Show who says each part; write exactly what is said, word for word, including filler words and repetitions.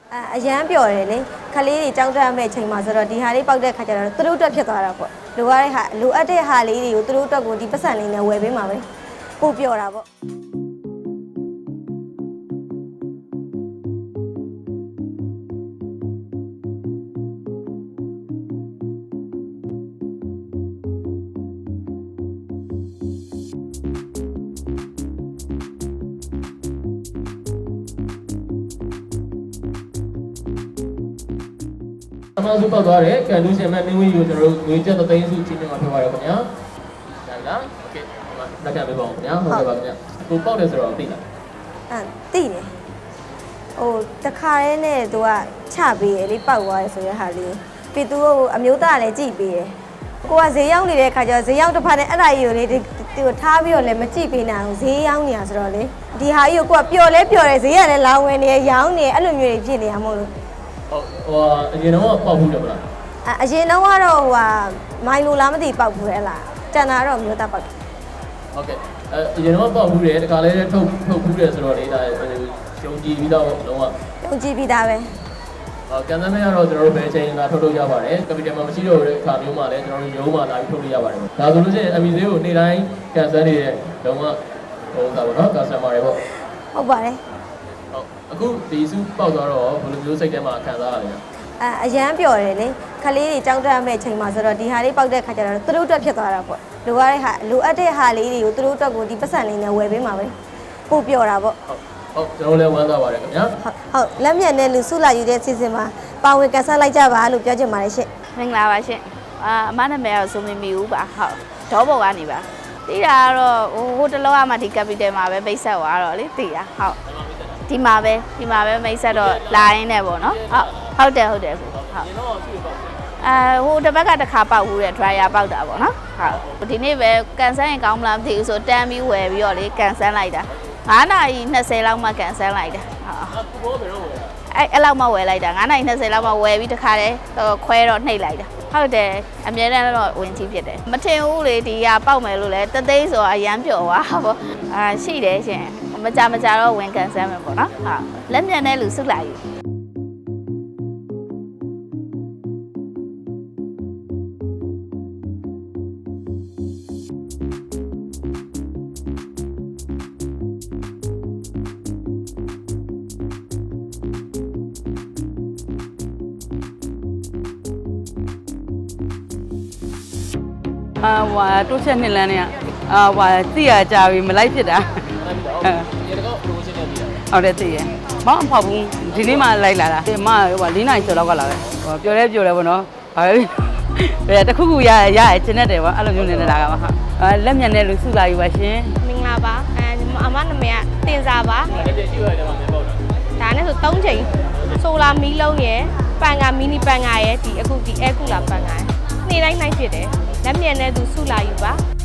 Speaker 1: အရန်ပြော်တယ်လေခလေးတွေကြောက်တတ်မဲ့ချိန်မှာဆိုတော့ဒီဟာလေးပေါက်တဲ့ခါကျတော့သူတို့အတွက်ဖြစ်သွားတာပေါ့လိုရတဲ့ဟာလိုအပ်တဲ့ဟာလေးတွေကိုသူတို့အတွက်ကိုဒီပတ်စံလေးနဲ့ဝယ်ပေးမှာပဲပို့ပြော်တာပေါ့
Speaker 2: အမှန်စုပောက်သွားတယ်ကန်လူရှင်မဲ့မင်းဝင်းကိုကျွန်တော်တို့ငွေကျပ်သိန်းစုချင်းချင်းမှာပြောပါရခင်ဗျာဒါလားโอเคလက်ကပေးပါဦးခင်ဗျာဟုတ်ကဲ့ပါခင်ဗျာကိုပောက်တယ်ဆိုတော့သိလား
Speaker 1: အဲသိတယ်ဟိုတခါရဲနဲ့သူကချပေးရလေပောက်သွားတယ်ဆိုတဲ့ဟာလေးပြီးသူ့အမျိုးသားလည်းကြည့်ပေးတယ်ကိုကဈေးရောက်နေတဲ့ခါကျတော့ဈေးရောက်တစ်ဖက်နဲ့အဲ့ဒါကြီးကိုလေသူကိုထားပြီးတော့လည်းမကြည့်ပေးနိုင်ဘူးဈေးရောက်နေတာဆိုတော့လေဒီဟာကြီးကိုကပျော်လဲပျော်တယ်ဈေးကလည်းလောင်ဝင်နေရောင်းနေအဲ့လိုမျိုးတွေဖြစ်နေရမို့လို့
Speaker 2: ဟုတ်ဟိုအရင်တော့ပောက်ဘူးတယ်မလား
Speaker 1: အရင်တော့ကတော့ဟိုဟာမိုင်လိုလားမသိပောက်ဘူးလေလားတန်တာတော့မျိုးသားပောက်တယ်
Speaker 2: ဟုတ်ကဲ့အဲအရင်တော့ပောက်ဘူးတယ်တခါလဲထုတ်ထုတ်ဘူးတယ်ဆိုတော့လေဒါရှုံကြည့်ပြီးတော့လုံးဝ
Speaker 1: ရှုံကြည့်ပြီးသားပဲ
Speaker 2: အော်ကန်သမ်းမရတော့ကျွန်တော်တို့ဘယ်ချိန်လာထုတ်လို့ရပါတယ်ကပီတယ်မှာမရှိတော့တဲ့အခါမျိုးမှာလည်းကျွန်တော်တို့ရုံးမှာလာပြီးထုတ်လို့ရပါတယ်ဒါဆိုလို့ရှိရင်အမီဈေးကိုနေ့တိုင်းကန်ဆန်းနေတဲ့လုံးဝဟိုသာပေါ့နော်ကာစတမာတွေပေါ့
Speaker 1: ဟုတ်ပါတယ်
Speaker 2: ဟုတ်အခုဒီစုပေါက်သွားတော့ဘယ်လိုမျိုးစိတ်ထဲမှာခံစားရလဲ
Speaker 1: အဲအရန်ပြော်တယ်လေခလေးတွေကြောက်တတ်မဲ့ချိန်မှာဆိုတော့ဒီဟာလေးပေါက်တဲ့ခါကျတော့သူတို့အတွက်ဖြစ်သွားတာပေါ့လိုရတဲ့ဟာလိုအပ်တဲ့ဟာလေးတွေကိုသူတို့အတွက်ကိုဒီပတ်စံလေးနဲ့ဝယ်ပေးမှာပဲပို့ပြော်တာပေါ့
Speaker 2: ဟုတ်ကျွန်တော်လည်းဝမ်းသာပါတယ်ခင်ဗျာ
Speaker 1: ဟုတ်ဟုတ်လက်မြတ်နဲ့လူစုလာယူတဲ့စီစဉ်မှာပါဝင်ကန်ဆယ်လိုက်ကြပါလို့ပြောချင်ပါတယ်ရှင့်
Speaker 3: မင်္ဂလာပါရှင့်အာအမနာမည်ကတော့ဆိုမီမီဦးပါဟုတ်ဒေါဘော်ကနေပါသိတာကတော့ဟိုဟိုတလောကမှဒီ capital မှာပဲမိတ်ဆက်သွားတော့လေသိတာဟုတ်ဒီမှာပဲဒီမှာပဲမိတ်ဆက်တော့လာရင်းနဲ့ပေါ့နော်ဟုတ်ဟုတ်တယ်ဟုတ်တယ်ဟုတ်အဲဟိုတစ်ဘက်ကတစ်ခါပေါက်ဘူးတဲ့ dryer ပေါက်တာပေါ့နော်ဟုတ်ဒီနေ့ပဲကန်ဆယ်ရင်ကောင်းမလားမသိဘူးဆိုတန်းပြီးဝယ်ပြီးတော့လေကန်ဆယ်လိုက်တာငါးနာရီနှစ်ဆယ်လောက်မှကန်ဆယ်လိုက်တာဟုတ်အဲ့အဲ့လောက်မှဝယ်လိုက်တာငါးနာရီနှစ်ဆယ်လောက်မှဝယ်ပြီးတခါတည်းခွဲတော့နှိပ်လိုက်တာဟုတ်တယ်အမြဲတမ်းတော့ဝင်ကြီးဖြစ်တယ်မထင်ဘူးလေဒီကပေါက်မယ်လို့လဲတသိန်းဆိုအရန်ပျော်သွားပေါ့အာရှိတယ်ရှင်မကြမကြတော့ဝင်ကန်ဆယ်မယ်ပေါ့နော်ဟုတ်လက်မြန်တဲ့လူစုလိုက်ယူ
Speaker 4: အာဟွာတိုးချက်နှစ်လမ်းနဲ့အာဟွာသိရကြပြီမလိုက်ဖြစ်တာ
Speaker 2: ရေတကောက် promotion နဲ့ပြီးတာ
Speaker 4: ဟုတ်တယ်သိရမောင်းအဖောက်ဘူးဒီနေ့မှလိုက်လာတာဒီမဟို၄နိုင်ကျော်လောက်ကလာပဲဟိုပြောလဲပြောလဲပေါ့နော်ဘာပဲဘယ်တခုခုရရရကျင်တဲ့တယ်ပေါ့အဲ့လိုမျိုးနေလာတာပါဟာလက်မြန်တဲ့လူစုလာယူပါရှင်
Speaker 3: မင်္ဂလာပါအဲအမနာမည်ကတင်စာပါ
Speaker 2: ဒါလည်းရှိရတယ်မှာမပေါ့တာ
Speaker 3: ဒါနဲ့ဆို၃ချိန်ဆိုလာမီးလုံးရယ်ပန်ကမီနီပန်ကရယ်ဒီအခုဒီအဲကူလာပန်ကရယ်နေ့တိုင်းနိုင်ဖြစ်တယ်လက်မြန်တဲ့သူစုလာယူပါ